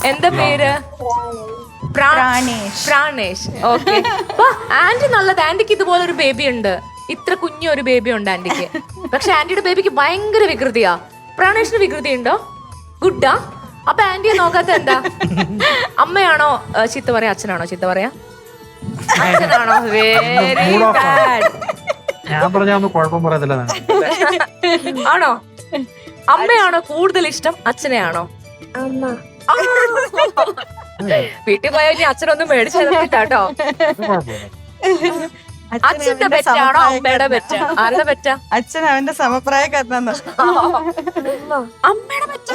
എന്താ പേര്? പ്രാണേഷ്. Okay. Anti നല്ലത്. ആന്റിക്ക് ഇതുപോലെ ഒരു ബേബി ഉണ്ട്. ഇത്ര കുഞ്ഞൊരു ബേബി ഉണ്ട് ആന്റിക്ക്. പക്ഷെ ആന്റിയുടെ ബേബിക്ക് ഭയങ്കര വികൃതിയാ. പ്രാണേഷിന് വികൃതി ഉണ്ടോ? ഗുഡാ? അപ്പൊ ആന്റിയെ നോക്കാത്ത എന്താ? അമ്മയാണോ ചീത്ത പറയാ, അച്ഛനാണോ ചീത്ത പറയാ? അച്ഛനാണോ? Very bad. ഞാൻ പറഞ്ഞ കുഴപ്പം പറയത്തില്ല. ആണോ? അമ്മയാണോ കൂടുതൽ ഇഷ്ടം, അച്ഛനെയാണോ? വീട്ടിൽ പോയാൽ ഇനി അച്ഛനൊന്നും മേടിച്ചു തരത്തില്ലാട്ടോ. അച്ഛന്റെ പെറ്റാണോ അമ്മയുടെ പെറ്റ? ആരുടെ പെറ്റ? അച്ഛൻ അവന്റെ സമപ്രായക്കാരനാണ്. അമ്മയുടെ പെറ്റ.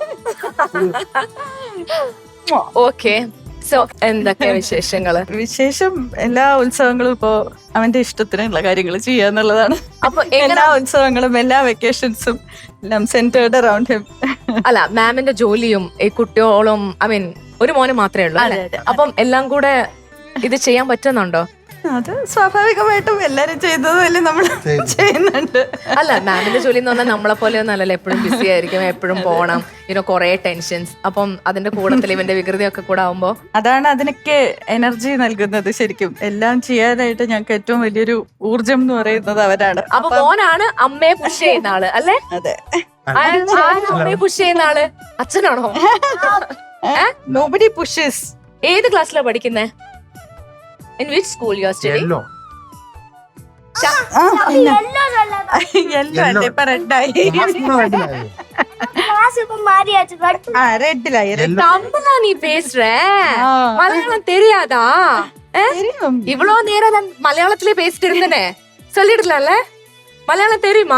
ഓക്കെ. സോ എന്തൊക്കെ വിശേഷങ്ങള്? വിശേഷം എല്ലാ ഉത്സവങ്ങളും ഇപ്പോ അവന്റെ ഇഷ്ടത്തിനുള്ള കാര്യങ്ങൾ ചെയ്യാന്നുള്ളതാണ്. അപ്പൊ എല്ലാ ഉത്സവങ്ങളും എല്ലാ വെക്കേഷൻസും എല്ലാം സെന്റേർഡ് അറൗണ്ട് ഹിം. അല്ല, മാമിന്റെ ജോലിയും ഈ കുട്ടികളും ഐ മീൻ ഒരു മോന് മാത്രമേ ഉള്ളൂ. അപ്പം എല്ലാം കൂടെ ഇത് ചെയ്യാൻ പറ്റുന്നുണ്ടോ? അത് സ്വാഭാവികമായിട്ടും എല്ലാരും ചെയ്തതല്ലേ നമ്മൾ ചെയ്യുന്നുണ്ട്. അല്ല, മാമിന്റെ ജോലി എന്ന് പറഞ്ഞാൽ നമ്മളെ പോലെ ഒന്നും അല്ലല്ലോ. എപ്പോഴും ബിസി ആയിരിക്കും, എപ്പോഴും പോകണം, കുറെ ടെൻഷൻസ്. അപ്പം അതിന്റെ കൂടത്തിൽ ഇവന്റെ വികൃതി ഒക്കെ കൂടെ ആവുമ്പോ അതാണ് അതിനൊക്കെ എനർജി നൽകുന്നത്. ശരിക്കും എല്ലാം ചെയ്യാനായിട്ട് ഞങ്ങൾക്ക് ഏറ്റവും വലിയൊരു ഊർജം എന്ന് പറയുന്നത് അവരാണ്. അപ്പൊ മോനാണ് അമ്മയെ പുഷ് ചെയ്യുന്ന ആള് അല്ലേ? അതെ. അമ്മയെ പുഷ് ചെയ്യുന്ന ആള് അച്ഛനാണോ? Nobody pushes. ഏത് ക്ലാസ്സിലാ പഠിക്കുന്നേ? In which school you are studying? தமிழா நீ பேசுற? மலையாளம் தெரியாதா? இவ்வளவு நேரம் மலையாளத்திலே பேசிட்டு இருந்தனே, சொல்லிடலாம்ல? மலையாளம் தெரியுமா?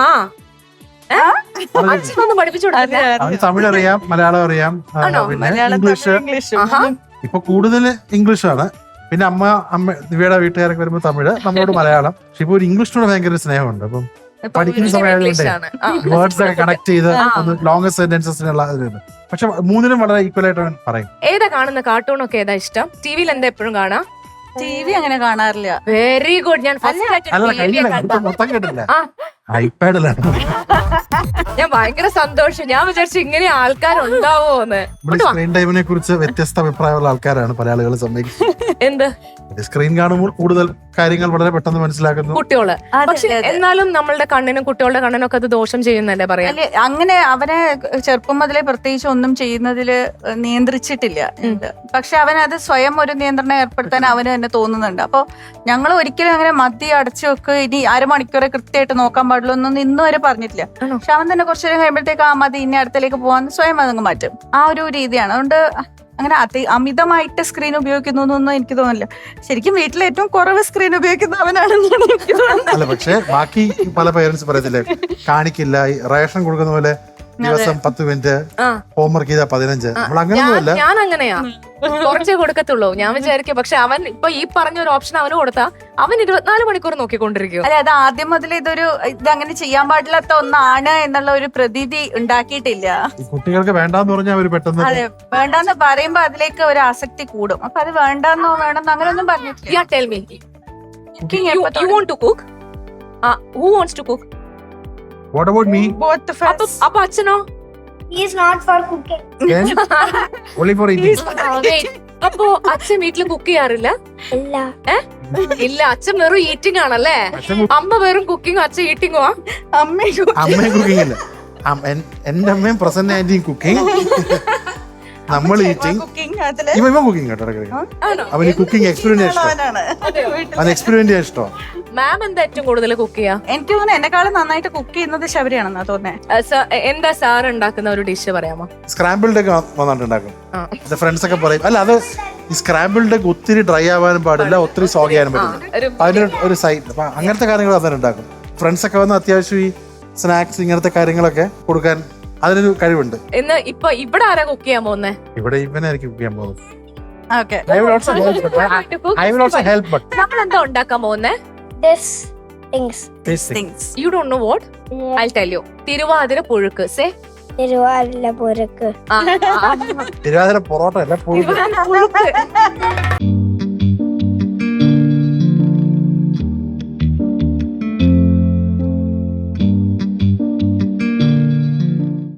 അച്ഛനൊന്നും പഠിപ്പിച്ചു കൊടുക്കില്ല. തമിഴ് അറിയാം, മലയാളം അറിയാം, പിന്നെ ഇംഗ്ലീഷ്. ഇപ്പൊ കൂടുതൽ ഇംഗ്ലീഷാണ്. പിന്നെ അമ്മ ദിവ്യയുടെ വീട്ടുകാരൊക്കെ വരുമ്പോ തമിഴ്, നമ്മളോട് മലയാളം. പക്ഷെ ഇപ്പൊ ഒരു ഇംഗ്ലീഷിനോട് ഭയങ്കര സ്നേഹമുണ്ട്. അപ്പം പഠിക്കുന്ന സമയമായതുകൊണ്ട് വേർഡ്സ് ഒക്കെ കണക്ട് ചെയ്ത് ലോങ്സ്റ്റ് സെന്റൻസസിനുള്ള ഇതിലുണ്ട്. പക്ഷെ മൂന്നിനും വളരെ ഈക്വൽ ആയിട്ട് പറയും. ഏതാ കാണുന്ന കാർട്ടൂണൊക്കെ ഏതാ ഇഷ്ടം? ടിവിയിൽ എന്താ എപ്പോഴും കാണാം? TV അങ്ങനെ കാണാറില്ല. Very good. ഞാൻ മൊത്തം കേട്ടില്ല, ഐപാഡിലാണ്. ഞാൻ ഭയങ്കര സന്തോഷം. ഞാൻ വിചാരിച്ചു ഇങ്ങനെ ആൾക്കാരുണ്ടാവോന്ന്. സ്ക്രീൻ ടൈമിനെ കുറിച്ച് വ്യത്യസ്ത അഭിപ്രായമുള്ള ആൾക്കാരാണ് പല ആളുകൾ സമ്മതിക്കുന്നത്. എന്ത് സ്ക്രീൻ കാണുമ്പോൾ കൂടുതൽ കാര്യങ്ങൾ വളരെ പെട്ടെന്ന് മനസ്സിലാക്കുന്നു കുട്ടികള്. പക്ഷെ എന്നാലും നമ്മളുടെ കണ്ണിനും കുട്ടികളുടെ കണ്ണിനും ഒക്കെ അത് ദോഷം ചെയ്യുന്നല്ലേ പറയാ? അങ്ങനെ അവനെ ചെറുപ്പം മുതലേ പ്രത്യേകിച്ച് ഒന്നും ചെയ്യുന്നതില് നിയന്ത്രിച്ചിട്ടില്ല. പക്ഷെ അവനത് സ്വയം ഒരു നിയന്ത്രണം ഏർപ്പെടുത്താൻ അവന് തന്നെ തോന്നുന്നുണ്ട്. അപ്പൊ ഞങ്ങൾ ഒരിക്കലും അങ്ങനെ മദ്യം അടച്ചു വെക്ക്, ഇനി അരമണിക്കൂറെ കൃത്യമായിട്ട് നോക്കാൻ പാടുള്ളൂ എന്നൊന്നും ഇന്നും വരെ പറഞ്ഞിട്ടില്ല. പക്ഷെ അവൻ തന്നെ കുറച്ചു നേരം കഴിയുമ്പോഴത്തേക്ക് ആ മതി, ഇനി അടുത്തേക്ക് പോകാൻ സ്വയം അതങ്ങ് മാറ്റും. ആ ഒരു രീതിയാണ്. അതുകൊണ്ട് അങ്ങനെ അമിതമായിട്ട് സ്ക്രീൻ ഉപയോഗിക്കുന്നു എന്നൊന്നും എനിക്ക് തോന്നില്ല. ശരിക്കും വീട്ടിൽ ഏറ്റവും കുറവ് സ്ക്രീൻ ഉപയോഗിക്കുന്ന അവനാണെന്നാണ് എനിക്ക് തോന്നുന്നത്. അല്ല, പക്ഷെ ബാക്കി പല പേരൻസ് പറയത്തില്ലേ, കാണിക്കില്ല, റേഷൻ കൊടുക്കുന്ന പോലെ ദിവസം 10 മിനിറ്റ്, ഹോംവർക്ക് ചെയ്താൽ 15. നമ്മൾ അങ്ങനെയൊന്നുമല്ല. ഞാൻ അങ്ങനെയാ, കുറച്ചേ കൊടുക്കത്തുള്ളൂ. ഞാൻ വിചാരിക്കും. പക്ഷെ അവൻ ഇപ്പൊ ഈ പറഞ്ഞ ഒരു ഓപ്ഷൻ അവന് കൊടുത്താ അവൻ 24 മണിക്കൂർ നോക്കിക്കൊണ്ടിരിക്കും. അല്ലെ, അത് ആദ്യം മുതൽ ഇതങ്ങനെ ചെയ്യാൻ പാടില്ലാത്ത ഒന്നാണ് എന്നുള്ള ഒരു പ്രതീതി ഉണ്ടാക്കിയിട്ടില്ല. കുട്ടികൾക്ക് വേണ്ടാന്ന് പറഞ്ഞാൽ അവര് പെട്ടെന്ന് അതെ, വേണ്ടാന്ന് പറയുമ്പോ അതിലേക്ക് ഒരു ആസക്തി കൂടും. അപ്പൊ അത് വേണ്ടെന്നോ വേണമെന്നോ അങ്ങനെയൊന്നും പറഞ്ഞിട്ടില്ല. Yeah, tell me. You want to cook? Who wants to cook? What about me? Both of us. അപ്പൊ അച്ഛനോ? He is not for cooking. Then, only for eating. Wait. അപ്പൊ അച്ഛൻ വീട്ടില് കുക്ക് ചെയ്യാറില്ല? ഇല്ല, അച്ഛൻ വെറും ഈറ്റിംഗ് ആണല്ലേ? അമ്മ വെറും കുക്കിംഗ്, അച്ഛൻ ഈറ്റിംഗോ? അമ്മയും കുക്കിംഗ് അല്ല, എന്റെ അമ്മയും പ്രസന്റ് ആന്റിയും കുക്കിംഗ്, നമ്മൾ ഈറ്റിംഗ്. ഇവൻ കുക്കിംഗ് കേട്ടോ. അവന് കുക്കിംഗ് എക്സ്പെരിമെന്റ് ഇഷ്ടം. എക്സ്പെരിമെന്റ് ചെയ്യാൻ ഇഷ്ടം. മാം എന്താ ഏറ്റവും കൂടുതൽ കുക്ക് ചെയ്യാ? എനിക്ക് തോന്നുന്നു എന്നെക്കാളും നന്നായിട്ട് കുക്ക് ചെയ്യുന്നത് ശബരിയാണെന്നാ തോന്നുന്നത്. എന്താ സാർ ഉണ്ടാക്കുന്ന ഒരു ഡിഷ് പറയാമോ? സ്ക്രാമ്പിൾഡ് ഒക്കെ വന്നിട്ടുണ്ടാക്കും. ഫ്രണ്ട്സ് ഒക്കെ പറയും, അല്ല അത് ഈ സ്ക്രാമ്പിൾഡ് ഒക്കെ ഒത്തിരി ഡ്രൈ ആവാനും പാടില്ല, ഒത്തിരി സോഗ് ചെയ്യാനും പറ്റില്ല. അതിന് ഒരു സൈഡ്, അപ്പൊ അങ്ങനത്തെ കാര്യങ്ങൾ അതിനുണ്ടാക്കും. ഫ്രണ്ട്സ് ഒക്കെ വന്ന് അത്യാവശ്യം ഈ സ്നാക്സ് ഇങ്ങനത്തെ കാര്യങ്ങളൊക്കെ കൊടുക്കാൻ അതിനൊരു കഴിവുണ്ട്. ഇന്ന് ഇപ്പൊ ഇവിടെ ആരാ കുക്ക് ചെയ്യാൻ പോകുന്നേ? ഇവിടെ ഇവനായിരിക്കും കുക്ക് ചെയ്യാൻ പോകുന്നത്. Okay. I will also help, but നമ്മൾ എന്താ ഉണ്ടാക്കാൻ പോകുന്നേ? These things. You don't know what? I'll tell you. Thiruvathira പുഴുക്ക്. Say. തിരുവാതിര പുഴുക്ക്. തിരുവാതിര പൊറോട്ട അല്ല, പുഴുക്ക്.